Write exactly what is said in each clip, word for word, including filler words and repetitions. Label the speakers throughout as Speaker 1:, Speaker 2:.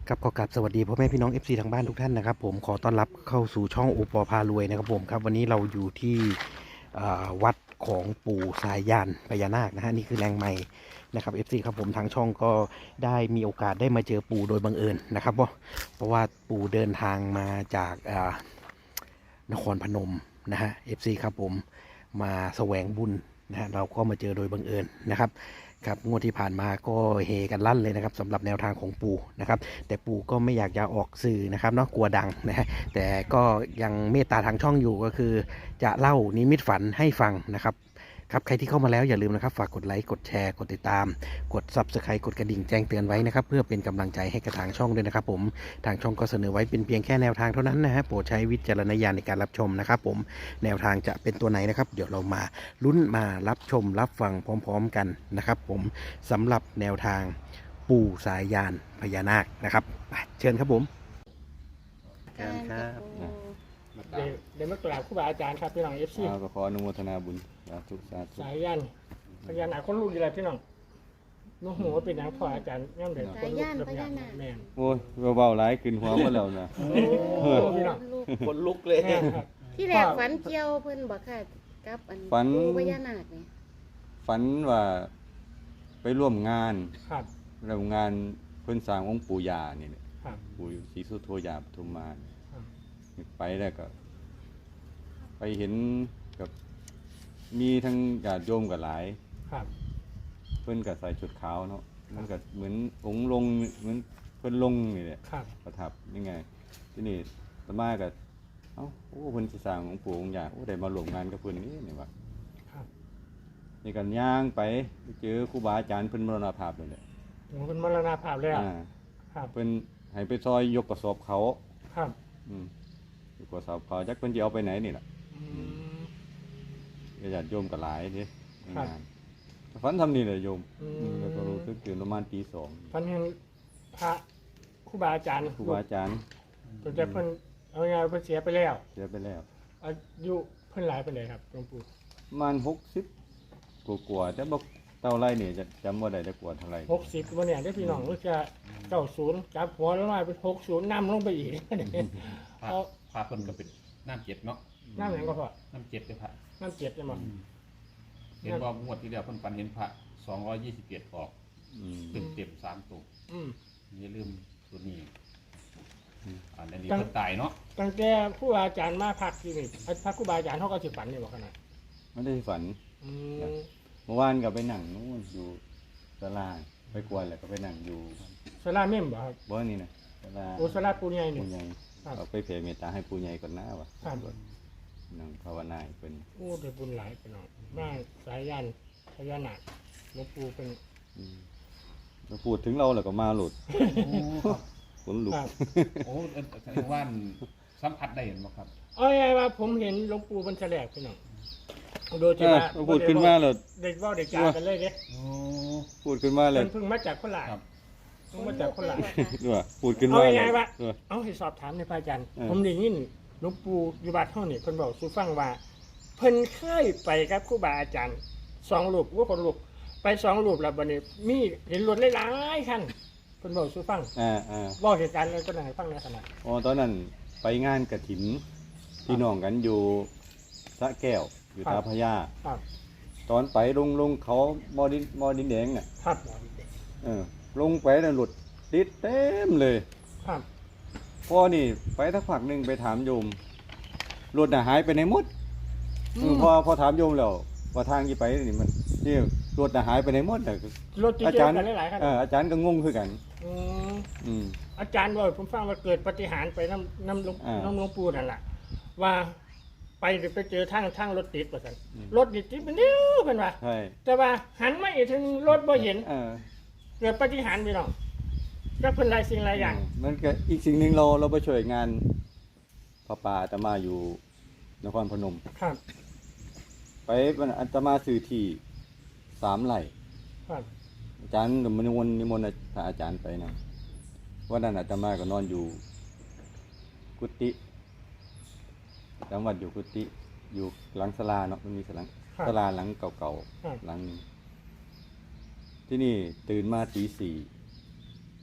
Speaker 1: ครับขอกราบสวัสดีพ่อแม่พี่น้อง เอฟ ซี ทางบ้านทุกท่านนะครับผมขอต้อนรับเข้าสู่ช่องโอปอพารวยนะครับผมครับวันนี้เราอยู่ที่อ่าวัดของปู่สายยานพญานาคนะฮะนี่คือแรงใหม่นะครับ เอฟ ซี ครับผมทางช่องก็ได้มีโอกาสได้มาเจอปู่โดยบังเอิญนะครับเพราะเพราะว่าปู่เดินทางมาจากอ่านครพนมนะฮะ เอฟ ซี ครับผมมาแสวงบุญนะฮะเราก็มาเจอโดยบังเอิญนะครับ ครับงวดที่ผ่านมาก็เฮกันลั่นเลยนะครับสำหรับแนวทางของปู่นะครับแต่ปู่ก็ไม่อยากจะออกสื่อนะครับเนาะกลัวดังนะฮะแต่ก็ยังเมตตาทางช่องอยู่ก็คือจะเล่านิมิตฝันให้ฟังนะครับครับใครที่เข้ามาแล้วอย่าลืมนะครับฝากกดไลค์กดแชร์กดติดตามกด ซับสไครบ์ กดกระดิ่งแจ้งเตือนไว้นะครับเพื่อเป็นกำลังใจให้กับทางช่องด้วยนะครับผมทางช่องก็เสนอไว้เป็นเพียงแค่แนวทางเท่านั้นนะฮะโปรดใช้วิจารณญาณในการรับชมนะครับผมแนวทางจะเป็นตัวไหนนะครับเดี๋ยวเรามาลุ้นมารับชมรับฟังพร้อมๆกันนะครับผมสำหรับแนวทางปู่สายยานพญานาคนะครับเชิญครับผมเชิญครับ
Speaker 2: เดี๋ยวเดี๋ยวมากราบครูบาอาจารย์ครับพี่น้องเอฟซี
Speaker 3: อ่าก็ขออนุโมทนาบุญสาธุสาธุ
Speaker 2: สายยันพญานาคคนลูกดีไรพี่น้องน้องหัวเป็นนางพ่ออาจารย์ย่ำเด็กคนลูกกับยานแม่น
Speaker 3: โอ้ยเบาๆหลายขึ้นหัวหมดแล้วนะ
Speaker 2: โอ้พี่น้อง
Speaker 4: ลูก
Speaker 1: คนลุกเลย
Speaker 2: แม่นครับ
Speaker 4: ที่แรกฝันเกี่ยวเพิ่นบอกค่ะกับอัน
Speaker 3: ฝัน
Speaker 4: ปู่พญานาคนี่
Speaker 3: ฝันว่าไปร่วมงาน
Speaker 2: ครับ
Speaker 3: ร่วมงานเพิ่นสร้างองค์ปู่ย่านี่แหละ
Speaker 2: ครับ
Speaker 3: ปู่ศรีสุโธย่าปทุมมา
Speaker 2: ครับ
Speaker 3: ไปแล้วก็ ไปเห็นกับมีทั้งญาติโยมกับหลาย
Speaker 2: ครับ
Speaker 3: เพิ่นก็ใส่ชุดขาวเนาะมันก็เหมือนองค์ลงเหมือนเพิ่นลงนี่แหละ
Speaker 2: ครับ
Speaker 3: ประทับยังไงที่นี่อาตมาก็เอ้าโอ้เพิ่นสิสร้างองค์ปู่องค์ย่าโอ้ได้มาร่วมงานกับเพิ่นนี่นี่ว่า
Speaker 2: ครับ
Speaker 3: นี่กันย่างไปไปเจอครูบาอาจารย์เพิ่นมรณภาพเลยแหละ
Speaker 2: โอ้เป็นมรณภาพแล้ว
Speaker 3: อ่า
Speaker 2: ครับ
Speaker 3: เพิ่นให้ไปซอยยกกระสอบเขา
Speaker 2: ครับ
Speaker 3: อืมยกกระสอบเขาจักเพิ่นสิเอาไปไหนนี่ล่ะ
Speaker 2: อืม
Speaker 3: ญาติโยมก็หลายเด้ใน
Speaker 2: ครับ
Speaker 3: งานฝันทำนี่แหละโยม
Speaker 2: อืม
Speaker 3: อืมแล้วก็รู้สึกตื่นประมาณตีสอง
Speaker 2: พันเห็นพระครูบาอาจารย์
Speaker 3: ครูบาอาจารย์
Speaker 2: ตัวจะเพิ่นเอาไงเพิ่นเสียไปแล้ว
Speaker 3: เสียไปแล้ว
Speaker 2: อายุเพิ่นหลายไปเลยครับหลวงปู่
Speaker 3: ประมาณหกสิบกว่าๆแต่บ่เท่าไรนี่จะจำบ่ได้แต่กว่าเท่าไร
Speaker 2: หกสิบวันเนี่ยได้พี่น้องรู้จะเก้าศูนย์จับหัวแล้วมาเป็นหกศูนย์นำลงไปอีก
Speaker 5: พระ
Speaker 2: เอา
Speaker 5: พระเพิ่นก็เป็นน้ำเจ็ดเนาะ
Speaker 2: น้ำแหงก็พอ
Speaker 5: น้ำเจ็ดเลยพระ
Speaker 2: น้ำเจ็ดจะมา
Speaker 5: เห็นว่างวดที่แล้วเพิ่นฝันเห็นพระสองร้อยยี่สิบเจ็ดออก
Speaker 3: อืม
Speaker 5: เต็มเต็มสามตัว
Speaker 2: อืม
Speaker 5: อย่าลืมตัวนี้
Speaker 3: อืม
Speaker 5: อันนี้
Speaker 2: จัง
Speaker 5: เพิ่นตายเนาะ
Speaker 2: ตั้งแต่ครูบาอาจารย์มาพักที่นี่พักครูบาอาจารย์เขาก็สิฝันนี่บอกขนาด
Speaker 3: ไม่ได้ฝัน
Speaker 2: อืม
Speaker 3: เมื่อวานก็ไปนั่งนู่นอยู่ศาลาไปกวนแล้วก็ไปนั่งอยู่
Speaker 2: สลาเม่มบ่ครับ
Speaker 3: บ่นี่นะศาลา
Speaker 2: โอสลาปูใหญ่นี่
Speaker 3: ปู่ใหญ่
Speaker 2: ครับ
Speaker 3: เอาไปเผยเมตตาให้ปู่ใหญ่ก่อนนะวะ
Speaker 2: ครับ
Speaker 3: นั่งภาวนาให้เพิ่น
Speaker 2: โอ้ได้บุญหลายพี่น้องบ้านสายยันพญานาคหลวงปู่เป็น
Speaker 3: อืมแล้วพูดถึงเราแล้วก็มาหลุด
Speaker 5: โอ้ครับ
Speaker 3: ขนลุก
Speaker 2: ครับ
Speaker 5: โอ้เอิ้นแสดงว่าสัมผัสได้เห็นบ่ครับ
Speaker 2: เอาไงว่าผมเห็นหลวงปู่มันแฉลกพี่น้องโดยที่
Speaker 3: อ่ะ
Speaker 2: ว่า
Speaker 3: พูดขึ้นมาแล้ว
Speaker 2: เด็กเว่าเด็กจากันเลยเด้
Speaker 5: โอ้
Speaker 3: พูดขึ้นมาแล้ว
Speaker 2: เพิ่นเพิ่งมาจากโคราช
Speaker 5: ครับ
Speaker 2: เพิ่งมาจากโคราช
Speaker 3: ด้วยพูดขึ้นมา
Speaker 2: เอา
Speaker 3: แล้
Speaker 2: ไง
Speaker 3: ว
Speaker 2: วะ
Speaker 3: ด้วย
Speaker 2: เอาให้สอบถามในอยพระอาจารย์
Speaker 3: เออ
Speaker 2: ผมได้ยินหลวงปู่อยู่บ้านเฮานี่เพิ่นบอกสู่ฟังว่า เพิ่นเคยไปกับครูบาอาจารย์สองรูปว่าคนรูปไปสองรูปแล้วบัดนี้มีเห็นรถหลายๆคันเพิ่นบอกสู่ฟัง
Speaker 3: อ่าอ่า
Speaker 2: เว้าเหตุการณ์เลยก็ได้ให้ฟังในขณะ
Speaker 3: อ๋อตอนนั้นไปงานกฐินพี่น้องกันอยู่สระแก้วอยู่ตาพญา
Speaker 2: ครับ
Speaker 3: ตอนไปลงลงเขามอดินมอดินแดงน่ะ
Speaker 2: ครับ
Speaker 3: เออลงไปแล้วหลุดติดเต็มเลย
Speaker 2: ครับ
Speaker 3: พอนี่ไปสักพักหนึ่งไปถามโยมรถน่ะหายไปไหนหมดเออพอพอถามโยมแล้วว่าทางที่ไปนี่มันนี่รถน่ะหายไปไหนหมดน่ะ
Speaker 2: รถที่
Speaker 3: อา
Speaker 2: เจอ
Speaker 3: จารย์
Speaker 2: กันหลายๆคัน
Speaker 3: เอออาจารย์ก็งงคือกัน
Speaker 2: อืม
Speaker 3: อืม
Speaker 2: อาจารย์ว่าผมฟังว่าเกิดปาฏิหารย์ไปน้ำน้ำหลวง
Speaker 3: อ่า
Speaker 2: น้ำหลวงปู่นั่นแหละว่าไปไปเจอทางทางรถติดว่าซั่น
Speaker 3: อืม
Speaker 2: รถติดติดเป็นเดียวเป็นว่า
Speaker 3: ใช่
Speaker 2: แต่ว่าหันมาอีกถึงรถบ่เห็น
Speaker 3: เออ
Speaker 2: เกิดปาฏิหารย์พี่น้องก็เพิ่นหลายสิ่งหลายอย่าง
Speaker 3: มันก็อีกสิ่งหนึ่งเราเราไปช่วยงานพระป่าอาตมาอยู่นครพนม
Speaker 2: ครับ
Speaker 3: ไปวันอาตมาสื่อที่สามไร่
Speaker 2: ครับ
Speaker 3: อาจารย์มนิมนต์นิมนต์พระอาจารย์ไปนะวันนั้นอาตมาก็นอนอยู่กุฏิจำวัดอยู่กุฏิอยู่หลังศาลาเนาะมันมีศาลา
Speaker 2: ครับ
Speaker 3: ศาลาหลังเก่า
Speaker 2: ครับ
Speaker 3: ๆหลังหนึงที่นี่ตื่นมาตีสี่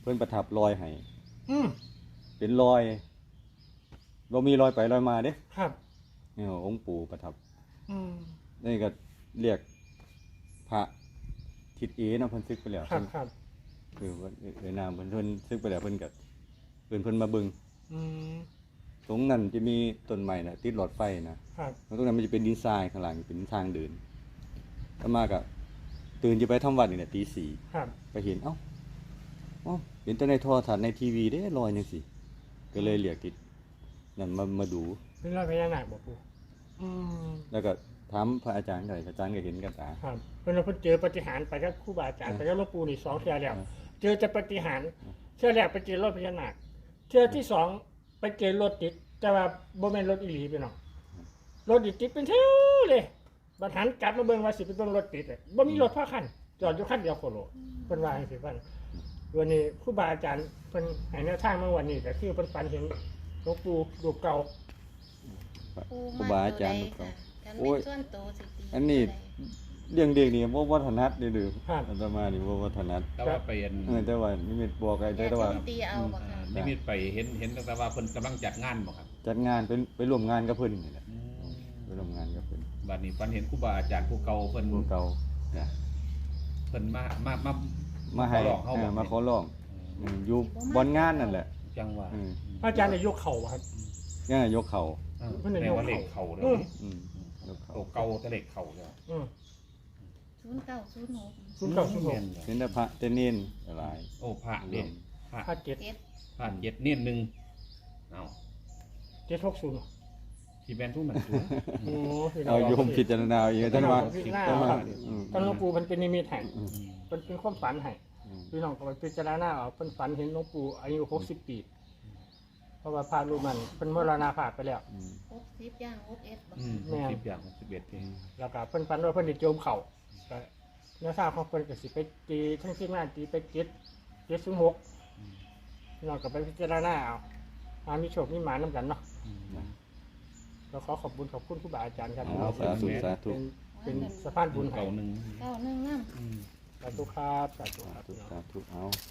Speaker 3: เพิ่นประทับรอยให้
Speaker 2: อืม
Speaker 3: เป็นรอยบ่มีรอยไปรอยมาเด้
Speaker 2: ครับ
Speaker 3: นี่องค์ปู่ประทับ
Speaker 2: อืม
Speaker 3: นี่ก็เรียกพระทิศเอเนาะเพิ่นซึกไปแล้ว
Speaker 2: ครับครับ
Speaker 3: คือว่าเอยนามเพิ่นเพิ่นซึกไปแล้วเพิ่นก็เพิ่นเพิ่นมาเบิ่ง
Speaker 2: อืม
Speaker 3: ตรงนั้นจะมีต้นไม้น่ะติดหลอดไฟนะครับ แล้วตรงนั้นมันจะเป็นดินทรายข้างหลังเป็นทางเดินแล้วมาก็ตื่นจะไปทำวัดนี่แหละตีสี่
Speaker 2: ครับ
Speaker 3: ไปเห็นเอ้าเอ้าเห็นแต่ในโทรทัศน์ในทีวีเด้ลอยจังซี่ก็เลยเรียกติดนั่นมามาดู
Speaker 2: เป็นรอยพญานาคบ่ปู่อืม
Speaker 3: แล้วก็ถามพระอาจารย์ก็อาจารย์ก็เห็นกับตา
Speaker 2: ครับเพิ่นว่าเพิ่นเจอปาฏิหารย์ไปกับครูบาอาจารย์ไปกับหลวงปู่นี่สองเทื่อแล้ว
Speaker 3: อ่า
Speaker 2: เจอแต่ปาฏิหารย์เทื่อแรกไปเจอรถพญานาคเทื่อที่สองไปเจอรถติดแต่ว่าบ่แม่นรถอีหลีพี่น้องรถอีติดเป็นแถวเลยบัดหันกลับมาเบิ่งว่าสิไปเบิ่งรถติดอะบ่มีรถพอคันจอดอยู่คันเดียวโคโลเพิ่นว่าจังซี่เพิ่นวันนี้ครูบาอาจารย์เพิ่นให้แนวทางมาวันนี้ก็คือเพิ่นฝันเห็นหลวงปู่รูปเก่า
Speaker 4: ปู
Speaker 3: ครูบาอาจารย์
Speaker 4: ม
Speaker 3: เขา
Speaker 4: กัน
Speaker 3: โอ้
Speaker 4: เป็น
Speaker 3: ย
Speaker 4: ส่วนโตสิตี
Speaker 3: อันนี้ เรื่องเด็กนี่บ่บ่ถนัดเด้อเด้อ
Speaker 2: ครับ
Speaker 3: อาตมานี่บ่บ่ถนัด
Speaker 5: แต่ว่าไปเห็น
Speaker 3: เออแต่ว่านิมิตบอกไอ้
Speaker 4: แต่
Speaker 3: แต่ว่า
Speaker 4: ตีเอาบ่
Speaker 5: อ่า
Speaker 4: ค่ะ
Speaker 5: นิมิตไปเห็นเห็นตั้งแต่ว่าเพิ่นกำลังจัดงานบ่ครับ
Speaker 3: จัดงานไปไปร่วมงานกับเพิ่นนี่แหละไปร่วมงานกับเพิ่น
Speaker 5: บัดนี้ฝันเห็นครูบาอาจารย์ผู้เก่าเพิ่น
Speaker 3: ผู้เก่า
Speaker 5: นะเพิ่นมามามา
Speaker 3: มาให้
Speaker 5: ขอร้องเฮา
Speaker 3: เอ
Speaker 5: บ่
Speaker 3: อมาขอร้องอืมอยู่บอนงานนั่นแหละ
Speaker 5: จังว่า
Speaker 3: อืม
Speaker 2: อาจารย์ได้ยกเข่าครับ
Speaker 3: งานยกเข่า
Speaker 5: เออ
Speaker 2: เพิ่นได้
Speaker 5: แปล
Speaker 2: ยก
Speaker 5: ว่า
Speaker 2: เข่า
Speaker 5: เลขเข่าเลย
Speaker 2: อืม
Speaker 3: อืมยกเข่า
Speaker 5: ตัวเก่าแต่เลขเข่าเลย
Speaker 2: อืม
Speaker 4: ศูนย์เก้าศูนย์หก
Speaker 2: ศูนย์เก้าศูนย์หก
Speaker 5: แม่นเลย
Speaker 3: เห็นแต่พระแต่เน้นหลาย
Speaker 5: โอ้พระเด่นพระ
Speaker 2: ห้าเจ็ด
Speaker 4: เจ็ด
Speaker 5: พระเจ็ดเนียนหนึ่งเอา
Speaker 2: เจ็ดหกศูนย์
Speaker 5: ที่แบนทุกหนังตัว
Speaker 2: โอ้พี่น้
Speaker 3: เอา
Speaker 2: ง
Speaker 3: โยมพิจารณาเอาเองท่านว่า
Speaker 2: พิจารณา
Speaker 3: ท่านว่า
Speaker 2: เอา
Speaker 3: อืม
Speaker 2: ตอนหลวงปู่มันเป็นนิมิตให้
Speaker 3: อืม
Speaker 2: เป็นเป็นความฝันให้
Speaker 3: อืม
Speaker 2: พี่น้องก็ไปพิจารณาเอาเป็นฝันเห็นหลวงปู่อายุหกสิบปี เพราะว่าพระรูปนั้นเป็นมรณาภาพไปแล้ว
Speaker 3: อืม
Speaker 4: หกสิบย่างหกเอ็ดบ่
Speaker 5: อืม
Speaker 2: แม่น
Speaker 5: สิบอย่างสิบเอ็ดเอง
Speaker 2: แล้วก็เพิ่นฝันว่าเพิ่นได้โจมเข่าก็เนื้อทราบของเพิ่นก็สิไปตีทั้งที่หน้าตีไปเจ็ดเจ็ดศูนย์หกพี่น้องก็ไปพิจารณาเอาหามีโชคมีหมานํกันเนาะ
Speaker 3: นะ
Speaker 2: เราขอขอบคุณขอบคุณครูบาอาจารย์ครับ
Speaker 3: เอาสาธุสาธุ
Speaker 2: เป็นเป็นสะพานบุญให้
Speaker 5: เก่าหนึ่ง
Speaker 4: เก้าหนึ่งน้
Speaker 5: อืม
Speaker 2: สาธุครับสาธุค
Speaker 3: สา
Speaker 2: รับ
Speaker 3: ธุสาธุเอา
Speaker 4: ำ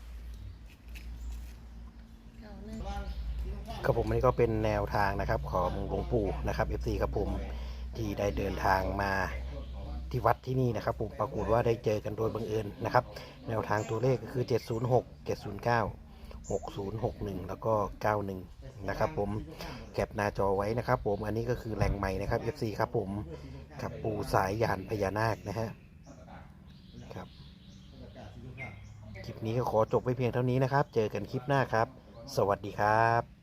Speaker 4: เก้าหนึ่ง
Speaker 1: ครับผมอันนี้ก็เป็นแนวทางนะครับของหลวงปู่นะครับ เอฟ ซี ครับผมที่ได้เดินทางมาที่วัดที่นี่นะครับผมปรากฏว่าได้เจอกันโดยบังเอิญนะครับ แนวทางตัวเลขก็คือเจ็ดศูนย์หก เจ็ดศูนย์เก้า หกศูนย์หกหนึ่งแล้วก็เก้าหนึ่งนะครับผมแคปหน้าจอไว้นะครับผมอันนี้ก็คือแหล่งใหม่นะครับ เอฟ ซี ครับผมกับปู่สายยานพญานาคนะฮะครับคลิปนี้ก็ขอจบไว้เพียงเท่านี้นะครับ เจอกันคลิปหน้าครับ สวัสดีครับ